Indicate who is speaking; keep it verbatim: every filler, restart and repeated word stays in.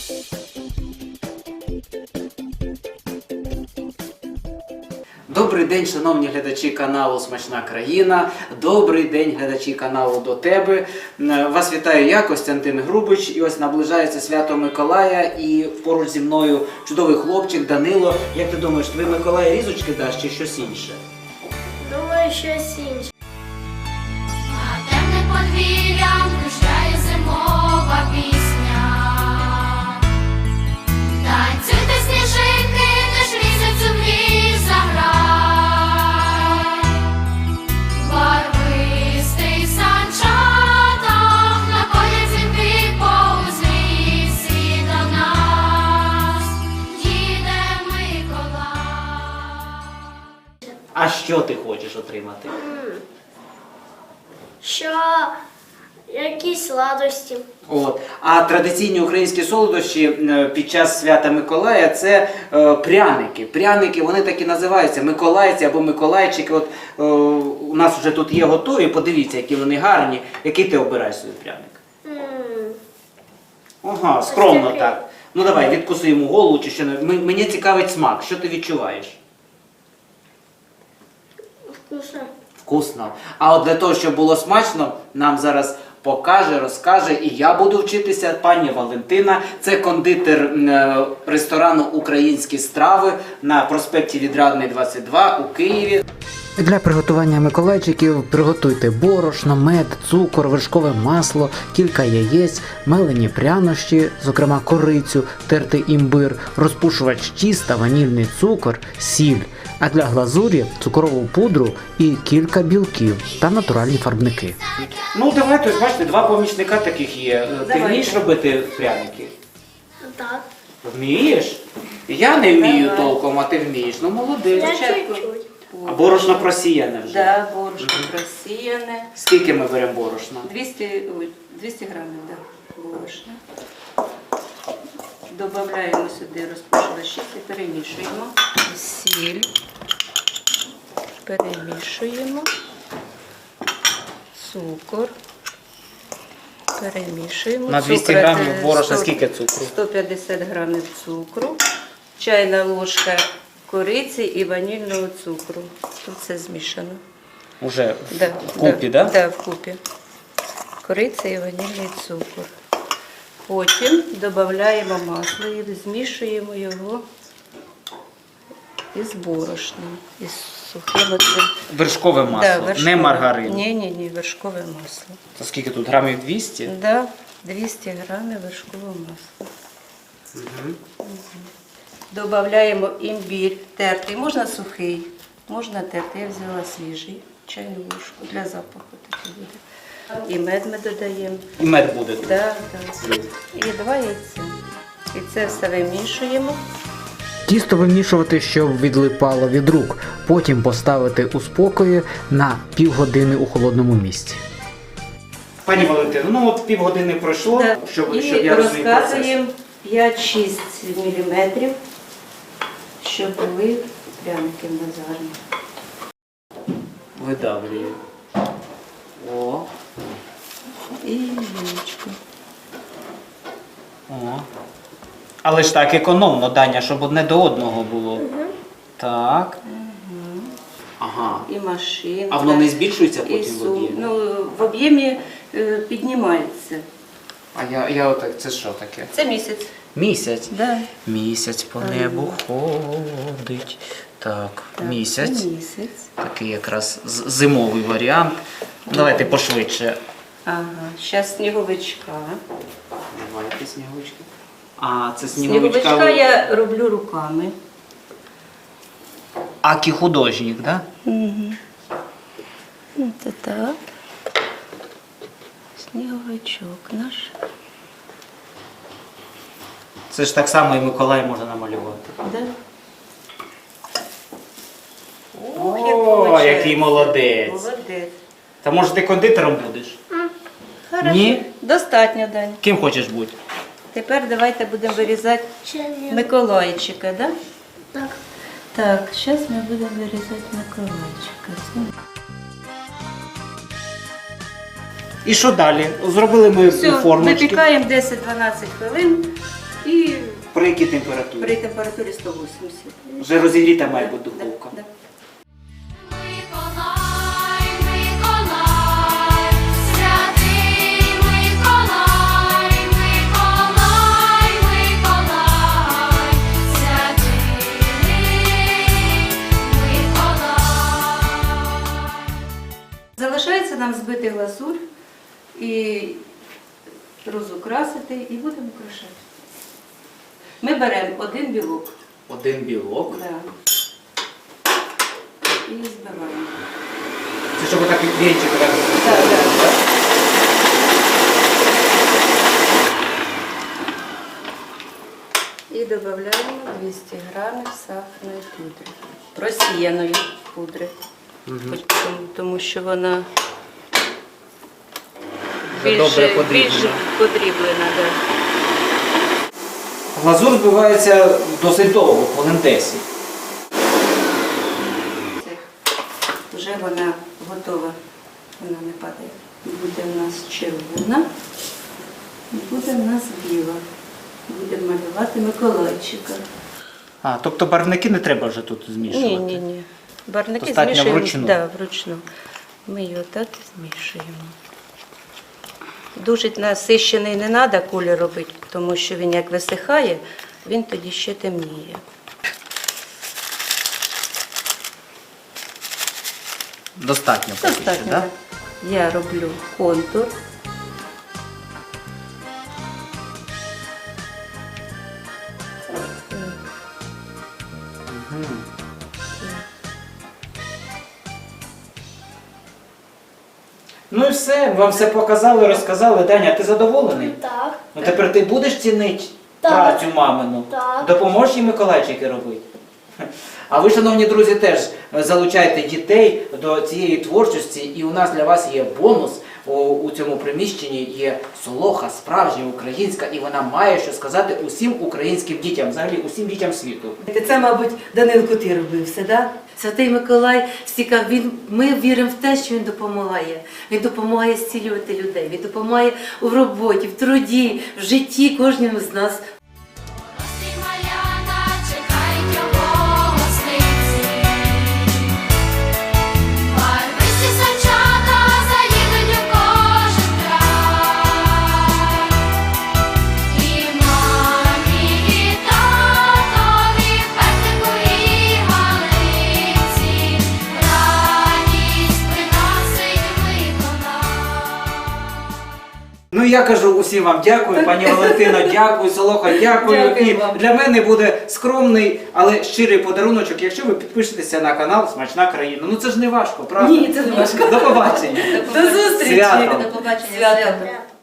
Speaker 1: Добрий день, шановні глядачі каналу Смачна країна. Добрий день, глядачі каналу До тебе. Вас вітаю я, Костянтин Грубич. І ось наближається свято Миколая. І поруч зі мною чудовий хлопчик Данило. Як ти думаєш, тобі Миколай різочки дасть чи щось інше?
Speaker 2: Думаю, щось інше.
Speaker 3: А темним подвір'ям кружляє зимова пісня. Танцюйте, сніжинки, теж місяцю в ліс заграй. Барвистий санчатах находять дзвінки повз ліс, і до нас їде Миколай.
Speaker 1: А що ти хочеш отримати?
Speaker 2: Що якісь сладості.
Speaker 1: От. А традиційні українські солодощі е, під час свята Миколая – це е, пряники. Пряники, вони так і називаються миколайці або миколайчики. От е, у нас вже тут є готові, подивіться, які вони гарні. Який ти обираєш собі пряник?
Speaker 2: М,
Speaker 1: Ага, скромно
Speaker 2: такий.
Speaker 1: так. Ну давай, відкуси йому голову чи що не. М- Мені цікавить смак. Що ти відчуваєш?
Speaker 2: Вкусно.
Speaker 1: Вкусно. А от для того, щоб було смачно, нам зараз покаже, розкаже, і я буду вчитися, пані Валентина. Це кондитер е, ресторану «Українські страви» на проспекті Відрадний, двадцять два у Києві. Для приготування миколайчиків приготуйте борошно, мед, цукор, вершкове масло, кілька яєць, мелені прянощі, зокрема корицю, тертий імбир, розпушувач тіста, ванільний цукор, сіль. А для глазурі цукрову пудру і кілька білків та натуральні фарбники. Ну давайте, ось бачите, два помічника таких є. Ти
Speaker 4: Давайте.
Speaker 1: вмієш робити пряники?
Speaker 2: Так.
Speaker 1: Вмієш? Я не вмію
Speaker 4: Давай.
Speaker 1: толком, а ти вмієш. Ну молодець.
Speaker 2: Я
Speaker 4: Спочатку.
Speaker 2: чуть-чуть.
Speaker 1: А борошно просіяне вже?
Speaker 4: Да, борошно просіяне.
Speaker 1: Скільки ми беремо борошна?
Speaker 4: двісті, ой, двісті грамів, да, борошна. Добавляємо сюди розпушувач і перемішуємо. Сіль. Перемішуємо. Цукор. Перемішуємо.
Speaker 1: На двісті
Speaker 4: Цукру,
Speaker 1: грамів
Speaker 4: е,
Speaker 1: борошна
Speaker 4: сто-
Speaker 1: скільки цукру?
Speaker 4: сто п'ятдесят грамів цукру. Чайна ложка кориці і ванільного цукру. Тут все змішано.
Speaker 1: Уже
Speaker 4: Да,
Speaker 1: вкупі,
Speaker 4: да?
Speaker 1: да?
Speaker 4: Да, вкупі. Кориця і ванільний цукор. Потім додаємо масло і змішуємо його із борошном, із сухим оцим.
Speaker 1: Вершкове масло,
Speaker 4: Да,
Speaker 1: не
Speaker 4: вершкове.
Speaker 1: маргарин.
Speaker 4: Ні, ні, ні, вершкове масло.
Speaker 1: Це скільки тут? Грамів двісті?
Speaker 4: Да, двісті грамів вершкового масла.
Speaker 1: Угу.
Speaker 4: Додаємо імбір тертий, можна сухий, можна тертий. Я взяла свіжий, чайну ложку для запаху такий буде. І мед ми додаємо.
Speaker 1: І мед буде тут.
Speaker 4: Да, да. І два яйця. І це все вимішуємо.
Speaker 5: Тісто вимішувати, щоб відлипало від рук, потім поставити у спокої на півгодини у холодному місці.
Speaker 1: Пані Валентино, ну от півгодини пройшло,
Speaker 4: Да.
Speaker 1: щоб,
Speaker 4: І
Speaker 1: щоб я розумів процес.
Speaker 4: розказуємо п'ять-шість міліметрів, щоб були пряники в нас гарні.
Speaker 1: Видавлюю. О,
Speaker 4: І віночку.
Speaker 1: о. Але ж так економно, Даня, щоб одне до одного було. Так. Ага.
Speaker 4: І машинка.
Speaker 1: А воно не збільшується
Speaker 4: і
Speaker 1: потім в
Speaker 4: сум.
Speaker 1: об'ємі?
Speaker 4: Ну, в об'ємі е, піднімається.
Speaker 1: А я, я отак, це що таке?
Speaker 4: Це місяць.
Speaker 1: Місяць.
Speaker 4: Да.
Speaker 1: Місяць по
Speaker 4: Ага.
Speaker 1: небу ходить. Так,
Speaker 4: Так,
Speaker 1: місяць.
Speaker 4: Це місяць.
Speaker 1: Такий якраз з- зимовий варіант. Давайте пошвидше.
Speaker 4: Ага. Зараз сніговичка.
Speaker 1: Давайте сніговички. А, це сніговичка.
Speaker 4: Сніговичка я роблю руками.
Speaker 1: Акі художник, так? Да?
Speaker 4: Угу. Це так. Сніговичок наш.
Speaker 1: Це ж так само і Миколай може намалювати.
Speaker 4: Да.
Speaker 1: О, який молодець.
Speaker 4: Молодець.
Speaker 1: Та може ти кондитером будеш?
Speaker 4: Хорошо.
Speaker 1: Ні?
Speaker 4: Достатньо, Дань.
Speaker 1: Ким хочеш бути?
Speaker 4: Тепер давайте будемо вирізати
Speaker 2: Ще ні.
Speaker 4: Миколайчика, да?
Speaker 2: Так.
Speaker 4: Так, зараз ми будемо вирізати Миколайчика.
Speaker 1: І що далі? Зробили ми
Speaker 4: Все,
Speaker 1: формочки.
Speaker 4: випікаємо десять-дванадцять хвилин і
Speaker 1: При якій температурі?
Speaker 4: При температурі сто вісімдесят.
Speaker 1: Вже розігріта має бути духовка.
Speaker 4: Да, да.
Speaker 3: Миколай, Миколай, святий Миколай, Миколай, Миколай, святий Миколай.
Speaker 4: Залишається нам збити глазурь і розукрасити, і будемо украшати. Ми беремо один білок.
Speaker 1: Один білок.
Speaker 4: Да. І збиваємо.
Speaker 1: Це щоб так вінчик так.
Speaker 4: Так, так. І додаємо двісті грамів сахарної пудри. Просіяної пудри. Хоч тому, тому що вона
Speaker 1: Вже добре
Speaker 4: більше,
Speaker 1: подріблена.
Speaker 4: більше подріблена. Да.
Speaker 1: Глазур збивається досить довго, хвилин десять.
Speaker 4: Це вже вона готова, вона не падає. Буде в нас червона, і буде в нас біла. Будемо малювати Миколайчика.
Speaker 1: А, тобто барвники не треба вже тут змішувати?
Speaker 4: Ні, ні, ні. Барвники
Speaker 1: Достатньо
Speaker 4: змішуємо.
Speaker 1: вручну?
Speaker 4: Да, вручну. Ми його так і змішуємо. Дуже насищений не треба колір робити, тому що він як висихає, він тоді ще темніє.
Speaker 1: Достатньо поки що,
Speaker 4: Достатньо.
Speaker 1: да?
Speaker 4: Я роблю контур.
Speaker 1: Ну і все, вам все показали, розказали. Даня, ти задоволений?
Speaker 2: Так.
Speaker 1: Ну тепер ти будеш цінити
Speaker 2: Так.
Speaker 1: працю мамину?
Speaker 2: Так.
Speaker 1: Допоможеш їй Миколайчики робити? А ви, шановні друзі, теж залучайте дітей до цієї творчості, і у нас для вас є бонус. У, у цьому приміщенні є солоха, справжня українська, і вона має що сказати усім українським дітям, взагалі усім дітям світу.
Speaker 6: Це, мабуть, Данилко ти робив все, да? Святий Миколай, стільки він, ми віримо в те, що він допомагає. Він допомагає зцілювати людей, він допомагає у роботі, в труді, в житті кожному з нас.
Speaker 3: Гості маляна чекають його гостинці. Барвисті санчата заїдуть у кожен край. І мамі, і татові, петику і галиці радість приносить Миколай.
Speaker 1: Ну я кажу усім вам дякую, пані Валентино, дякую, Солоха, дякую.
Speaker 6: Дякую
Speaker 1: І
Speaker 6: вам.
Speaker 1: для мене буде скромний, але щирий подаруночок, якщо ви підпишетеся на канал Смачна країна. Ну це ж не важко, правда?
Speaker 6: Ні, це не важко.
Speaker 1: До побачення.
Speaker 6: До зустрічі!
Speaker 1: Святом.
Speaker 4: До побачення.
Speaker 6: Свято.
Speaker 4: Свято.
Speaker 2: Так.